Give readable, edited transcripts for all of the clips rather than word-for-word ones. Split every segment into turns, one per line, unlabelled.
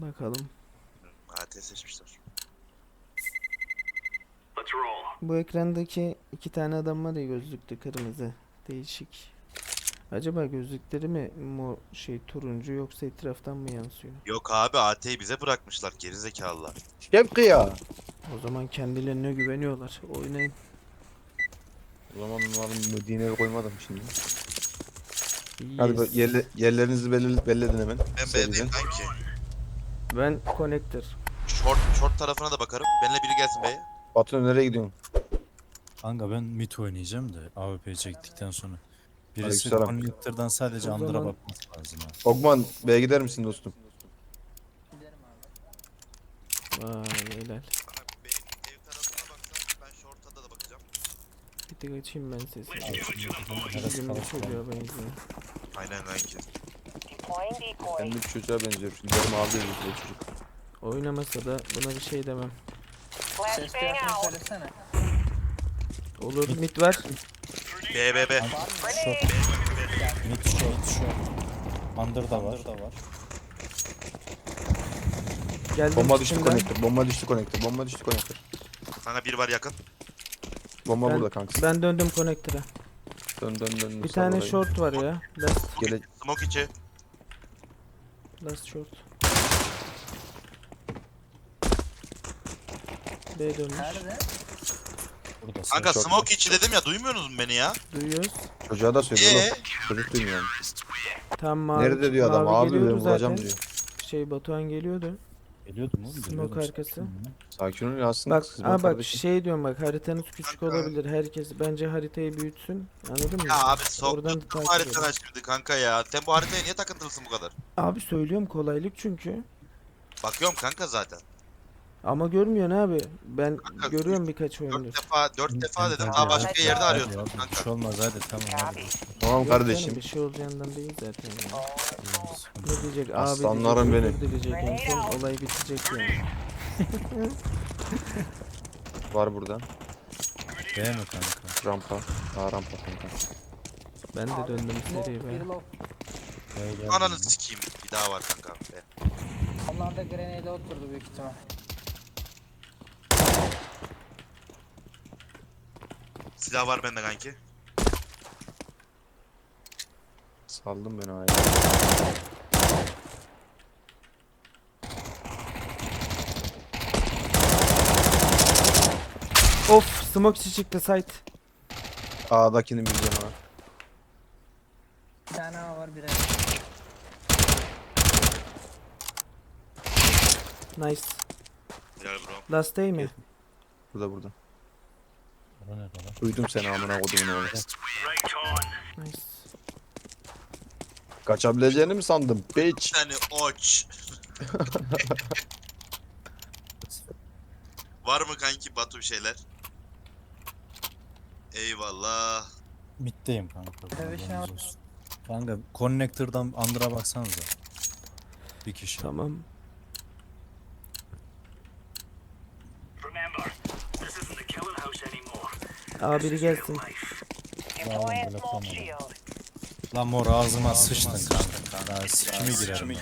Bakalım.
AT seçmişler.
Bu ekrandaki iki tane adam var ya, gözlüklü kırmızı. Değişik. Acaba gözlükleri mi turuncu, yoksa etraftan mı yansıyor?
Yok abi, AT'yi bize bırakmışlar gerizekalılar.
Şevki ya.
O zaman kendilerine güveniyorlar. Oynayın.
O zaman onların Medine'ye koymadım şimdi. Hadi
Yes.
yerlerinizi belledin hemen.
Ben
Seriden.
B'deyim kanki.
Ben connector.
Short tarafına da bakarım. Benimle biri gelsin B'ye.
Batu nereye gidiyorsun?
Kanka ben mid oynayacağım da AWP çektikten sonra. Birisi
Aleykümselam.
connector'dan sadece
O
Under'a
zaman-
bakması lazım ha.
Ogman B'ye gider misin dostum?
Vay helal.
Bana ev tarafına baksan ben short'a da bakacağım.
Bir tek açayım ben sesini.
Neresi
Bizim
kalır falan.
çocuğa benziyor.
Aynen kanki.
Kendi bir çocuğa benziyor. Şimdi benim abi benziyor bu çocuk.
Oynamasa da buna bir şey demem.
Ses duyarsan söylesene.
Olur, mid var.
B.
Short. Mid short. Under'da var.
Geldim
Bomba düştü
üstünden.
konektör. Bomba düştü konektör. Bomba düştü konektör.
Kanka biri var yakın.
Bomba
Ben-
burada kanka.
Ben döndüm connector'a.
Dön.
Bir
sal
tane
orayı.
short var ya.
Gele
Smoke içi.
Last short. B dönmüş.
Nerede?
Burada.
Kanka
short.
smoke içi dedim ya, duymuyorsunuz mu beni ya?
Duyuyoruz.
çocuğa da söylüyor
Ee?
oğlum. Çocuk duymuyor.
Tam mavi.
Nerede diyor adam?
mavi
Abi
geliyordu
ben vuracağım
zaten.
diyor.
Batuhan geliyordu.
Geliyordum oğlum.
Smoke
geliyordum.
arkası.
Sakin ol ya aslında.
Bak,
kız benim
bak
kardeşim.
diyorum, bak haritanız küçük
Kanka.
olabilir. Herkes bence haritayı büyütsün. Anladın mı?
Ya abi
Oradan
soktum
takip
haritanı
edin.
şimdi kanka ya. Sen bu haritaya niye takıntılısın bu kadar?
Abi söylüyorum, kolaylık çünkü.
Bakıyorum kanka zaten.
Ama görmüyorsun abi. Ben
Kanka,
görüyorum birkaç oyundur.
4 defa dedim.
Hadi,
Daha
hadi,
başka
hadi.
yerde
Hadi,
arıyorsun
hadi. Bir
kanka.
şey olmaz hadi tamam hadi.
Tamam
Yok canım,
kardeşim.
bir şey olacağından değil zaten ya. Ne diyecek? Abi
Aslanlarım
diyecek,
benim.
özür dileyecek, en son olay bitecek yani.
Var burada.
B mi kanka?
Rampa. Rampa kanka.
Ben de döndüm seriye
Bir
be.
low.
B geldi.
Ananı sikeyim. Bir daha var kanka. Be.
Onlar da grenade'e oturdu büyük ihtimal.
Silah var bende kanki.
Saldım beni aya.
Of, smoke içi çıktı site.
A'dakinin bir canı var.
Bir tane A var bir A.
Nice.
Helal bro.
Last day mi?
Burada.
Bura nerede lan?
Duydum seni amına kodumun oğlu.
Nice.
Kaçabileceğini mi sandım? Bitch.
Seni oç. Var mı kanki Batu bir şeyler? Eyvallah.
Middeyim kanka.
Tabii, şey
haberiniz olsun. Kanka connector'dan Under'a baksanıza. Bir kişi.
Tamam. Aa, biri gelsin.
Lan böyle tamam. Lan mor ağzıma sıçtın kanka. Daha sikimi girerim.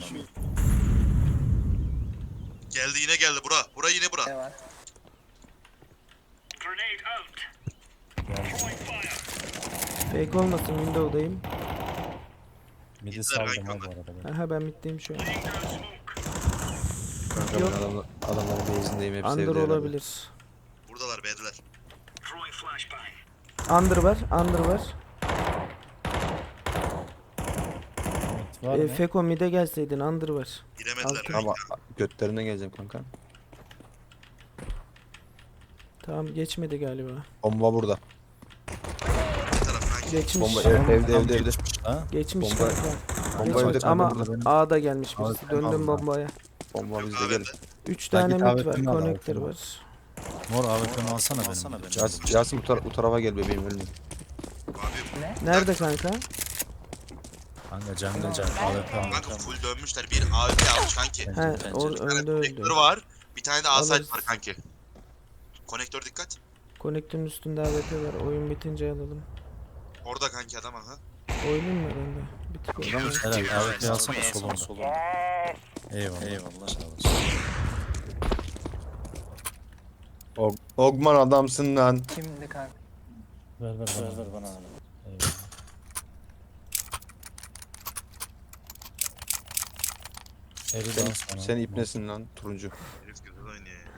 Geldi yine geldi bura. Bura yine bura.
B var.
Fake olmasın, window'dayım.
Midi
İzler
saldım
kanka.
ha bu arada. ben.
Aha, ben middeyim şu an.
Kanka
Yok.
ben adamların base'indeyim hepsi
Under
evde herhalde.
olabilir.
Buradalar B'deler.
Under var, under var.
Mid var mı?
Feko mid'e gelseydin, under var.
Giremediler
Altı.
kanka.
Ama götlerinden geleceğim kanka.
Tamam, geçmedi galiba.
Bomba burada.
Bir taraf kanki.
Geçmiş.
Bomba
Tamam,
evde
tamam,
evde.
geçmiş ha.
Geçmiş
Bomba-
kanka.
Bomba
Geç-
evde kanka
ama
burada.
A'da gelmiş
Abi,
birisi.
tamam
Döndüm
abi.
bombaya.
Bomba
Yok
bizde
abi
gelir.
de.
3
Ya
tane
git
mid
AWP'mi
var,
al,
connector
AWP'mi al.
var.
Mor AWP'mi alsana benim.
Yasin bu tarafa gel bebeğim ölme.
Abi
Ne?
Nerede kanka?
Kanka can AWP al.
kanka full dönmüşler. Bir AWP almış kanki.
He,
Pencere.
önde öldü.
Konektör var. Bir tane de A-site
Alırız.
var kanki. Konektör dikkat.
Connector'ın üstünde AWP var. Oyun bitince alalım.
Orada kanki adam aha.
Oynayayım mı ben de? Bir tık
Orada mı?
oynayayım.
Helal AWP alsana solunda. Eyvallah. Eyvallah. Sağ olasın.
Ogman adamsın lan.
Kimdi kanka?
Ver bana. Eyvallah. Eri
Sen,
dans bana.
sen ipnesin lan turuncu.
Herif güzel oynuyor ya.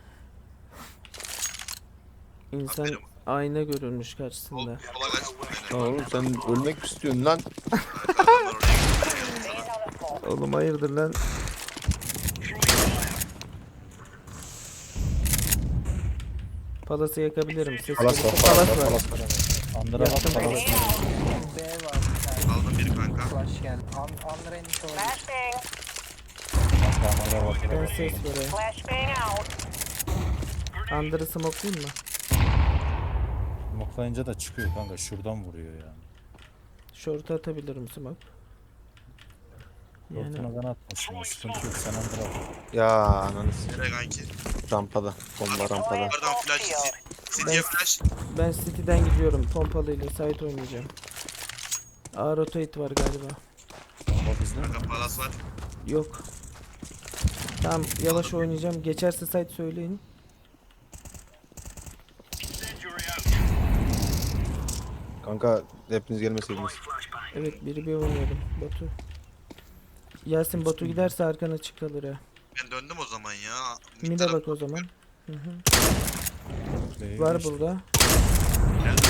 İnsan
Aferin.
ayna görülmüş karşısında.
Sola kaç.
Lan oğlum sen ölmek mi istiyorsun lan?
Adamlar oraya gidiyor.
Oğlum hayırdır lan? Palası yakabilirim. Ses
Palas var,
gelirse
palas
palas
var,
var.
palas var.
Andıra
Yaktım
bak.
palası.
B var bir tane.
Aldım biri kanka.
Flash geldi. Under'a inmiş olabilir.
Andıra bak.
Ben ses vereyim. Under'ı smoke'layım mı?
Moklayınca da çıkıyor kanka. Şuradan vuruyor yani.
Short'a atabilirim smoke. Yani
Ortuna ben atmışım. Sıkıntı yok. Sen andıra bak.
Ya ananı s-
Nereye kanki?
rampada. Bomba rampada.
Yukarıdan flash. City'ye flash.
ben City'den gidiyorum. Pompalıyla site oynayacağım. A rotate var galiba.
Bak bizde mi?
Kanka palas var.
Yok. Tamam yavaş oynayacağım. Geçerse site söyleyin.
Kanka hepiniz gelmeseydiniz.
Evet biri bir oynayalım. Batu. Yasin Batu giderse arkana çık kalır ha.
Ben döndüm o zaman ya.
Mide
taraf-
bak o zaman. Hı hı.
Play
Var
işte.
burada.
Geldi.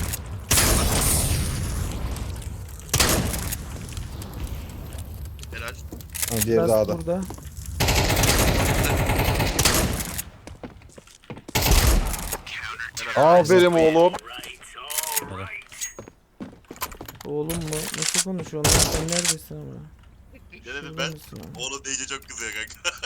Helal.
Ha, diğeri
Last
dağda.
burada.
Helal.
Aferin oğlum.
Helal.
Oğlum mu? Nasıl konuşuyorsun lan? Sen neredesin ama?
Ne dedim
Şurada
ben?
mısın ama?
Oğlum deyince çok kızıyor kanka.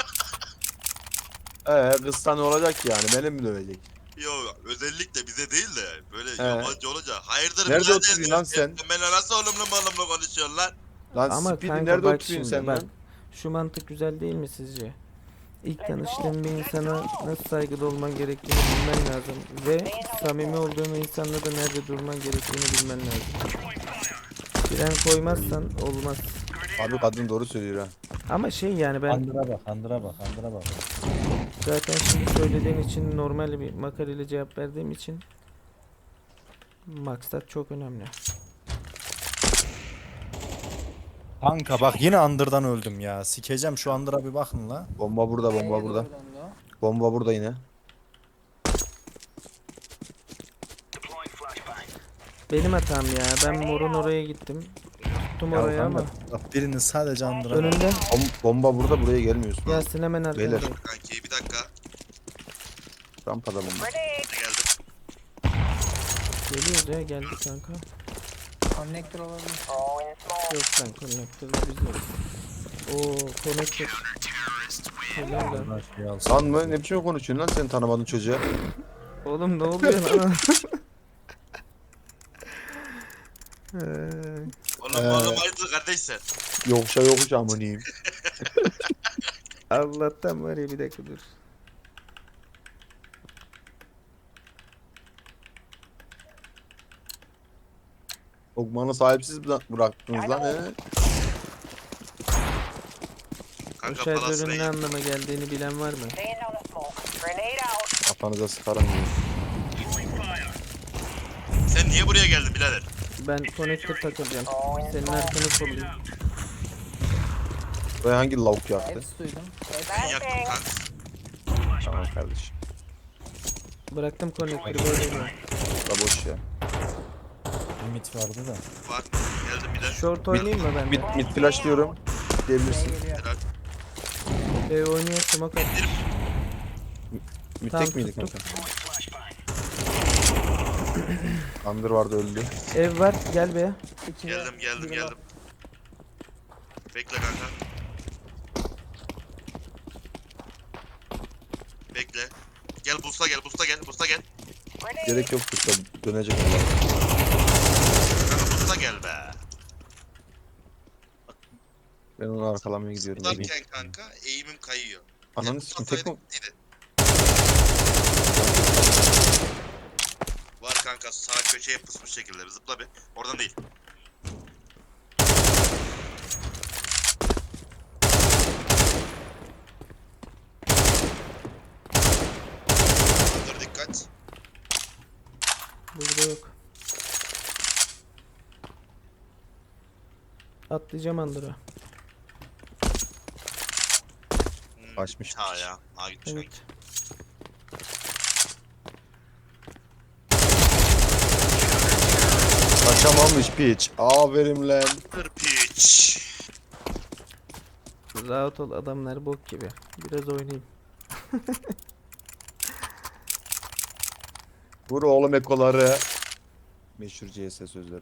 Kızsa ne olacak yani? Beni mi dövecek?
Yok özellikle bize değil de böyle
He.
yabancı olunca. Hayırdır
Nerede
birader
oturuyorsun
ya?
lan sen?
Ben nasıl oğlumla konuşuyorsun lan?
Lan
Ama
Speedy
kanka
nerede
bak
oturuyorsun
şimdi
sen
bak.
lan?
Şu mantık güzel değil mi sizce? İlk tanıştığın bir insana nasıl saygılı olman gerektiğini bilmen lazım. Ve samimi olduğun insanla da nerede durman gerektiğini bilmen lazım. Fren koymazsan olmaz.
Abi kadın doğru söylüyor ha.
Ama şey yani ben
Andıra bak. Andıra bak.
zaten şimdi söylediğin için normal bir makarayla cevap verdiğim için maksat çok önemli.
Kanka bak yine andırdan öldüm ya. Sikeceğim şu andıra bir bakın la.
Bomba burada, bomba
B'ye
burada.
doğru döndü o.
Bomba burada yine.
Benim hatam ya. Ben morun oraya gittim. Tuttum
Ya
oraya ama.
kanka,
Bak birinin sadece andıra.
Önünde.
Bomba burada, buraya gelmiyorsun. abi.
Yasin hemen
Beyler.
arkanda.
Kanki bir dakika.
Rampada bomba.
Geldim.
Geliyoruz ya geldik kanka.
Connector olabilir.
Yok lan connector'da biz yok. Oo connector. Helal lan.
Şey alsın.
Lan mı? Ne biçim konuşuyorsun lan sen tanımadığın çocuğa?
Oğlum ne oluyor lan?
Oğlum hayırdır kardeş sen?
Yokuşa yokuş amaniyim.
Allah'tan var ya bir dakika dur.
Ogman'ı sahipsiz bıraktınız lan he.
O
Kanka palas
şarjörün ne
reyin.
anlama geldiğini bilen var mı?
Kafanıza sıkarım diye.
Sen niye buraya geldin birader?
Ben connector takılacağım. Senin arkanı kollayayım.
Buraya hangi lavuk yaktı?
Hepsi duydum.
Ben yaktım kanka.
Tamam kardeşim.
Bıraktım connector'ı böyle mi?
Da boş ya.
Limit vardı da.
Var. Geldim bir de.
Short oynayayım mı ben
Mid,
de?
mid flash diyorum.
B
Diyebilirsin.
geliyor.
Helal.
Oynuyor smoke at.
Mid
Tamam,
tek miydi
tuttum.
kanka? Under vardı öldü.
Ev var gel be.
İki
Geldim
biri
geldim. Bekle kanka. Bekle. Gel busta gel busta gel.
Gerek yok tutsa dönecek Allah.
Kanka busta gel be.
Ben onu arkalamaya gidiyorum.
Tutarken kanka eğimim kayıyor.
Ananı sikim tek mi?
İyiydi. Var kanka sağ köşeye pısmış şekilde zıpla bir. Oradan değil.
Atlayacağım Under'a.
Kaçmış.
Ha ya. Ha gitmiş.
Evet.
Kaçamamış piç. Aferin lan.
Kır piç.
Rahat ol, adamlar bok gibi. Biraz oynayayım.
Vur oğlum ekoları. Meşhur CS sözleri.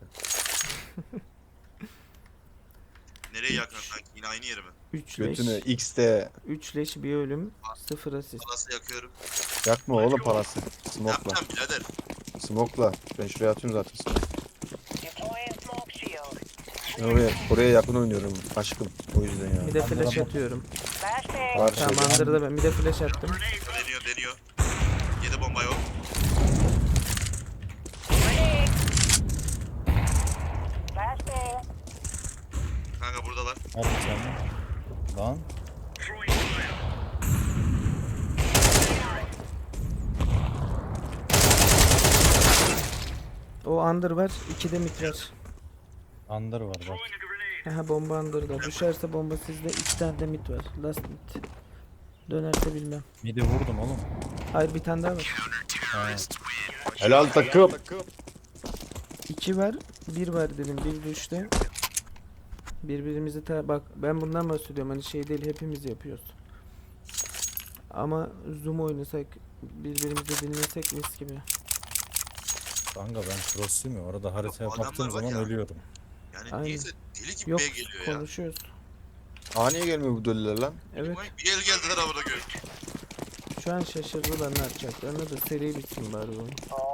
Nereye yakın kanki? Yine aynı yere mi?
3 leş.
Götünü X'te
3 leş bir ölüm. 0 asist.
Palası yakıyorum.
yakma oğlum parası. Smoke'la.
Yapacağım birader.
Smoke'la. Ben şuraya atıyorum zaten. Ben oraya yakın oynuyorum aşkım. O yüzden ya.
Bir de flash atıyorum.
Var
Tamam
şeyde.
Under'da ben bir de flash attım.
Deniyor. 7 bomba yok. Kanka buradalar.
Hadi canım. Lan.
O Under var. 2 de mid var.
Under var bak.
Aha bomba Under'da. Düşerse bomba sizde. 2 tane de mid var. Last mid. Dönerse bilmem.
Midi vurdum oğlum.
Hayır bir tane daha var.
Ha.
Helal takım.
2 var. 1 var dedim. 1 düştü. Birbirimizi bak ben bundan bahsediyorum. Hani şey değil hepimiz yapıyoruz. Ama zoom oynasak birbirimizi dinlesek mis gibi.
Kanka ben crossluyum ya. Orada haritaya
Adamlar
baktığım
var
zaman
ya.
ölüyorum.
Yani
Aynen.
neyse deli gibi
Yok
B geliyor ya.
konuşuyoruz.
Aa niye gelmiyor bu dölüler lan?
Evet.
Bir el geldiler amına koyayım.
Şu an şaşırdılar ne yapacaklarını da seri bitsin bari bu.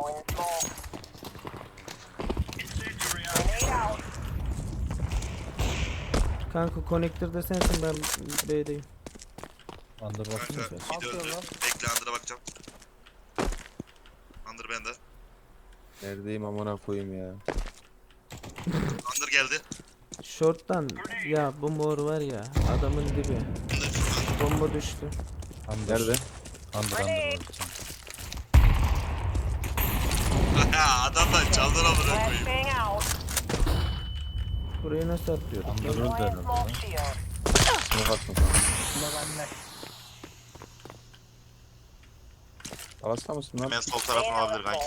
Kanka connector'da sensin ben B'deyim.
Under baksana
Kanka
sen.
bir döndü. Bekle Under'a bakacağım. Under bende.
Neredeyim amına koyayım ya.
Under geldi.
Short'tan ya bu mor var ya adamın dibi.
Under.
Bomba düştü.
Under.
Nerede?
Under var bir tane.
Adamlar çaldın amına koyayım.
Burayı nasıl atlıyorum?
Under öldü herhalde lan.
Smoke atma sana.
Bu da bende.
Arasında mısın lan?
Hemen sol tarafım olabilir kanki.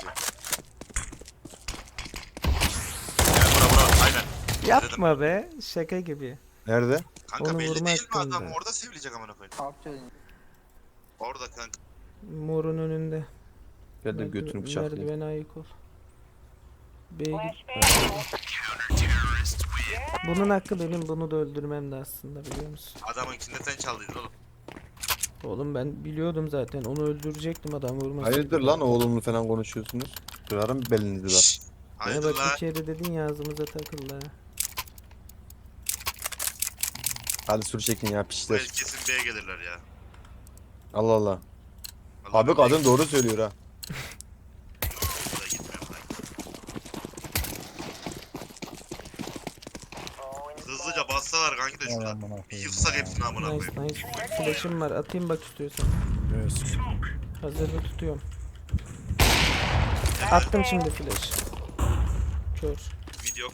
Gel bura. Aynen.
Yapma be şaka gibi.
Nerede?
Kanka
Onu
belli
vurma
değil mi adam?
hakkında.
Orada sevilecek amına koyayım.
Alt çözün.
Orada kanka.
Morun önünde.
Gel de götünü bıçaklayayım.
Merdivene ayık ol. B'ye git. Bunun hakkı benim bunu da öldürmem de aslında biliyor musun?
Adamınkinde sen çaldıydın oğlum.
Oğlum ben biliyordum zaten onu öldürecektim adam vurmasın.
Hayırdır lan oğlumlu falan konuşuyorsunuz? Kırarım belinizi bak.
Şşş.
Ya
Hayırdır
bak
la.
bir kere dedin ya ağzımıza takıldı ha.
Hadi sur çekin ya
Bu
piçler.
el kesin B'ye gelirler ya.
Allah Allah.
Vallahi
Abi kadın doğru söylüyor ha.
Buraya gitmiyorum lan. Hızlıca bassalar kanki de
Vay
şurada.
amına
Bir
koyayım
yıksak
ya.
hepsini amına
Nice
koyayım.
nice. Flash'ım var atayım bak istiyorsan.
Göğüs.
Hazırda tutuyorum. Attım şimdi flash. Kör.
Video.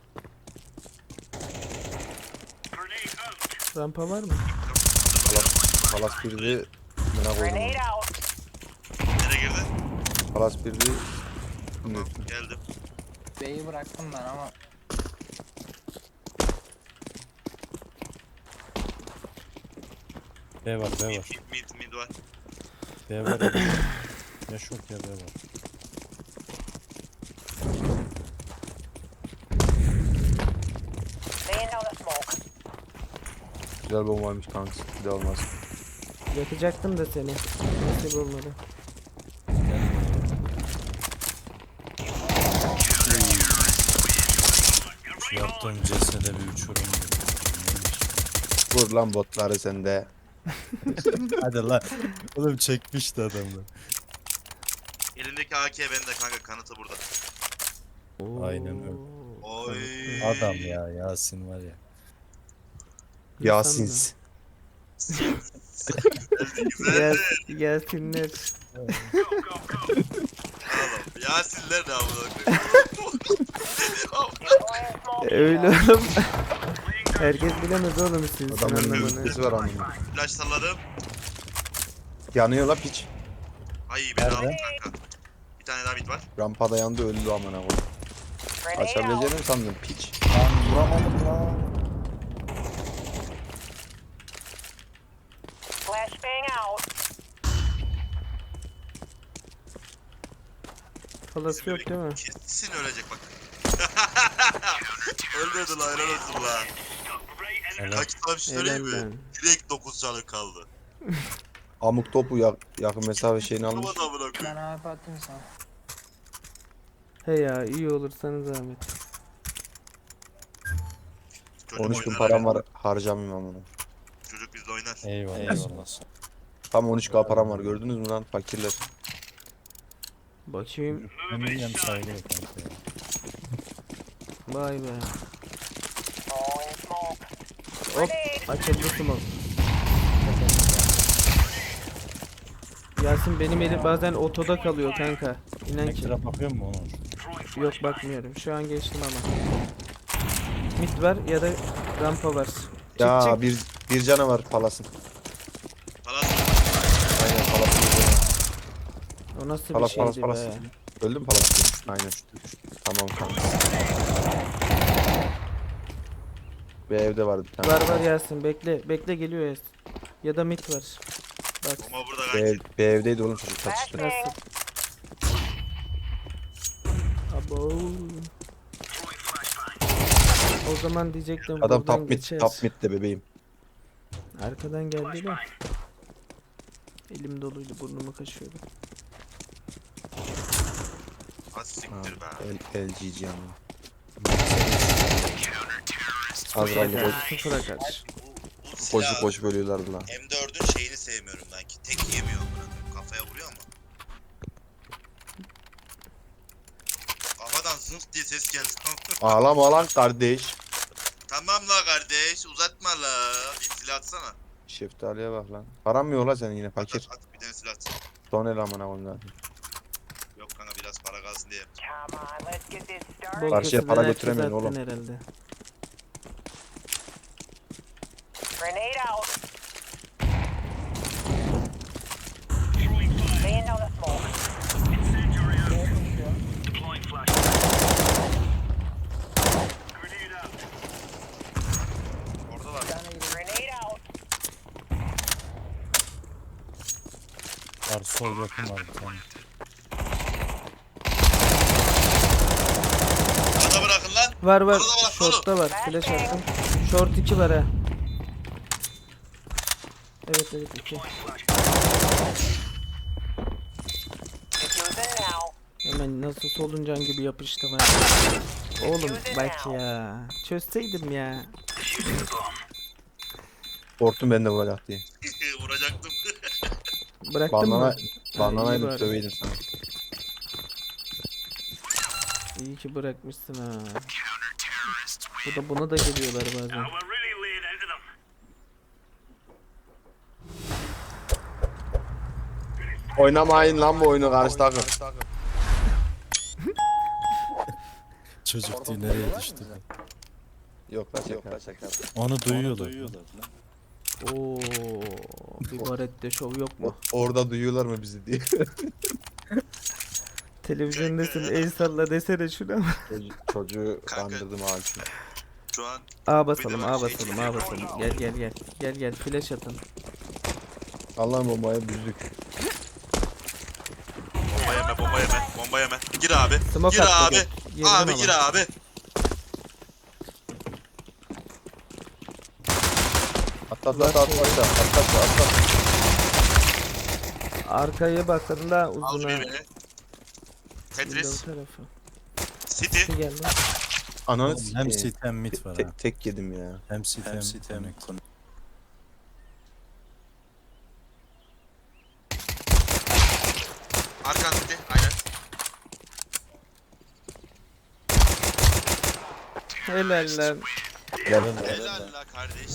Rampa var mı?
Palas birdi. Buna koydum.
Nereye girdi?
Palas birdi.
Tamam geldim.
B'yi bıraktım ben ama
B var B var.
Mid var.
B var. Ya şok ya B var.
Güzel bombaymış kanka. Bir de olmaz.
Yakacaktım da seni. Nasip olmadı.
Şu yaptığım cesede bir uçurum gibi.
Vur lan botları sende.
Hadi lan. Oğlum çekmişti adamı.
Elindeki AK bende kanka, kanıtı burada.
Aynen öyle.
Oy.
Adam ya Yasin var ya.
Yasins.
Güzel.
Gelsinler.
Oğlum, Yasinler de amına koyayım.
Öyle oğlum. Herkes bilemez oğlum sizin
Adamın
anlamanı.
mühendisi var amına.
Flash salladım.
Yanıyor la piç.
Ay beni
Nerede?
aldı kanka. Bir tane daha bit var.
Rampada yandı öldü amına koyayım. Açabileceğini mi sandın piç?
Lan vuramadım lan.
Falası yok değil mi?
Kesin ölecek bak. Ölmedi la helal olsun la.
Evet.
Kanki sana bir şey söyleyeyim
Helal
mi?
lan.
Direkt 9 canı kaldı.
Amuk topu yakın mesafe şeyini almış.
Vuramadı amına
Ben
koyayım.
abi atayım sana.
He ya iyi olursanız zahmet.
Çocuk
13 bin
oynar
param
abi.
var harcamayayım amına.
Çocuk bizde oynar.
Eyvallah. Eyvallah.
Tam 13k param var gördünüz mü lan fakirler.
Bakayım.
Eminim sayılıyor kanka.
Vay be. Hop açıldı smoke. Yasin benim elim bazen otoda kalıyor kanka. İnan ki.
Elektriğe bakıyor mu Onur?
Yok bakmıyorum. Şu an geçtim ama. Mid var ya da rampa var. Çık
Ya
çık.
bir canavar palasın.
Palas.
Aynen palasın.
O nasıl bir
Palas
şeydi
palas
be.
palas. Öldü mü palas? Aynen şu. Tamam kanka. Bir evde vardı bir tane.
Var var Yasin bekle. Bekle geliyor Yasin. Ya da mid var. Bak
Bomba burada
Bir,
kanki.
bir evdeydi oğlum çocuk kaçtı.
nasıl. Abo. O zaman diyecektim
Adam
buradan
top mid,
geçer.
top mid de bebeğim.
Arkadan geldi de. Elim doluydu burnumu kaşıyordu.
Az siktir be.
LGG yani. Azrail'i boş,
Sıfıra kaç.
Bu
boş
silah
boş bölüyorlardı lan.
M4'ün şeyini sevmiyorum ben ki. Tek yemiyor bunu. Kafaya vuruyor ama. Kafadan zınk diye ses geldi.
Ağlama lan kardeş.
Tamam la kardeş uzatma la. Bir silah atsana.
Şeftaliye bak lan. Param mı yok lan senin yine
At,
fakir.
at, bir tane silah at.
Son el amına koyayım zaten.
Yok kanka biraz para kalsın diye.
Bol
Karşıya
keseden
para
herkes
götüremeyin
attın
oğlum.
herhalde.
Orada var.
Var sol yakın var bir tane.
Bana bırakın lan.
Var var.
Orada var,
Short'ta var. Flash attım. Short 2 var ha. Evet evet 2. Hemen nasıl soluncan gibi yapıştım ha. Oğlum bak ya. Çözseydim ya.
Korktum ben de vuracak diye.
Vuracaktım.
Bıraktın mı?
Bandana,
iyi
bandanaydı
bari.
döveydim sana.
İyi ki bırakmışsın ha. Bu da buna da geliyorlar bazen.
Oynamayın lan bu oyunu karşı takım.
Çocuk diye nereye düştü?
Yok lan şaka.
Onu duyuyorlar.
Oo, bir barette şov yok mu?
Orada duyuyorlar mı bizi diye.
Televizyondasın el salla desene şuna.
Çocuğu
Kanka.
kandırdım ağacını.
Şu an
A basalım A basalım A basalım. Gel gel gel. Gel gel flash atın.
Allah'ın bombaya büzdük.
bomba yeme bomba yeme. Bomba yeme. Gir abi.
Smoke
Gir
attı,
abi.
gel. Girdim
Abi
ama.
gir abi.
Atla.
Arkaya bakın da
Al
uzuna.
birbirini.
Window
Tetris.
tarafı.
City.
Bir geldi.
Ananı
Hem
sikeyim.
sit hem mid var ha.
Tek yedim ya.
Hem sit hem connect.
Arkan City. Aynen.
Helal lan.
Gel.
Helal la kardeş.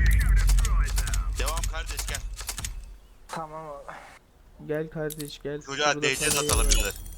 Devam kardeş gel.
Tamam abi.
Gel kardeş gel.
Çocuğa
Burada
DC
sana
atalım
yer var.
birader.